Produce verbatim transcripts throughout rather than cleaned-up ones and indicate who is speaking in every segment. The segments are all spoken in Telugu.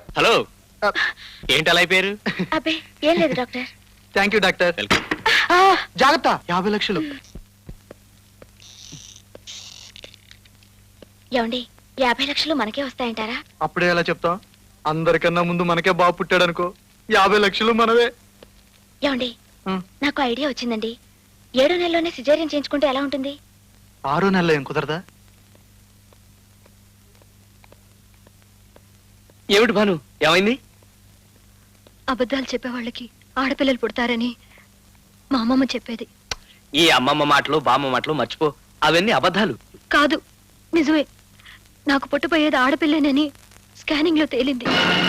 Speaker 1: హలో, ఏంటి అలా అయిపోయారు?
Speaker 2: అబ్బే ఏం లేదు డాక్టర్.
Speaker 3: Thank you doctor. జాగ్రత్త, యాభై లక్షలు.
Speaker 2: ఏమండి, యాభై లక్షలు మనకే వస్తాయంటారా?
Speaker 3: అప్పుడే ఎలా చెప్తాం? అందరికన్నా ముందు మనకే బాబు పుట్టాడు అనుకో, యాభై లక్షలు మనవే.
Speaker 2: ఏమండి,
Speaker 3: ఉం.
Speaker 2: నాకు ఐడియా వచ్చిందండి. ఏడో నెలలోనే సిజేరియన్ చేయించుకుంటే ఎలా ఉంటుంది?
Speaker 3: ఆరో నెలలో ఏం కుదరదా?
Speaker 1: ఏమిటి భాను, ఏమైంది?
Speaker 4: అబద్ధాలు చెప్పేవాళ్ళకి ఆడపిల్లలు పుడతారని మా అమ్మమ్మ చెప్పేది.
Speaker 1: ఈ అమ్మమ్మ మాటలు బామ్మ మాటలు మర్చిపో, అవన్నీ అబద్ధాలు.
Speaker 4: కాదు, నిజమే. నాకు పుట్టబోయేది ఆడపిల్లేనని స్కానింగ్ లో తేలింది.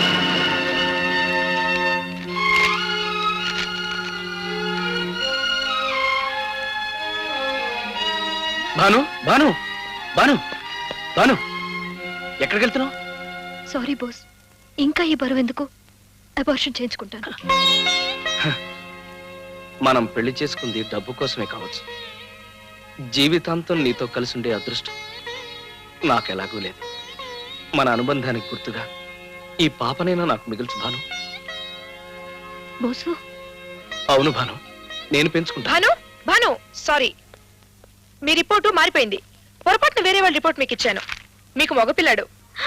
Speaker 1: భాను, భాను, భాను, భాను, ఎక్కడికి వెళ్తున్నావు?
Speaker 4: సారీ బోస్, ఇంకా ఈ బరువు ఎందుకు? అబార్షన్ చేయించుకుంటాను.
Speaker 1: మనం పెళ్లి చేసుకుంది డబ్బు కోసమే కావచ్చు. జీవితాంతం నీతో కలిసి ఉండే అదృష్టం నాకెలాగూ లేదు. మన అనుబంధానికి గుర్తుగా ఈ పాపనైనా నాకు మిగిల్చు భాను.
Speaker 4: బోసు,
Speaker 1: అవును భాను, నేను పెంచుకుంటా.
Speaker 5: భాను, భాను, సారీ, మీ రిపోర్టు మారిపోయింది. పొరపాటున వేరే వాళ్ళ రిపోర్ట్ మీకు ఇచ్చాను. మీకు మగపిల్లాడు.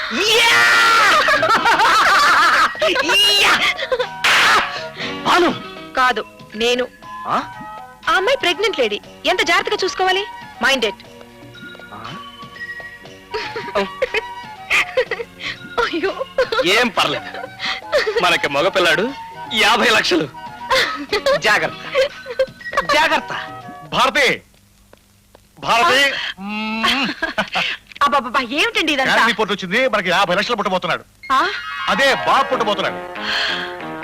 Speaker 1: భాను
Speaker 5: కాదు, నేను.
Speaker 1: ఆ?
Speaker 5: ఆ అమ్మాయి ప్రెగ్నెంట్ లేడీ. ఎంత జాగ్రత్తగా చూసుకోవాలి. మైండెడ్.
Speaker 1: ఆ?
Speaker 4: అయ్యో,
Speaker 1: ఏం పర్లేదు, మనకి మగపిల్లాడు, యాభై లక్షలు. జాగ్రత్త, జాగ్రత్త.
Speaker 6: భారతి, భారతి,
Speaker 5: అబ్బాబ్బా, ఏమిటండి ఇదంతా?
Speaker 6: రిపోర్ట్ వచ్చింది. మనకి యాభై లక్షలు పుట్టబోతున్నాడు.
Speaker 5: ఆ?
Speaker 6: అదే బాబు పుట్టబోతున్నాడు.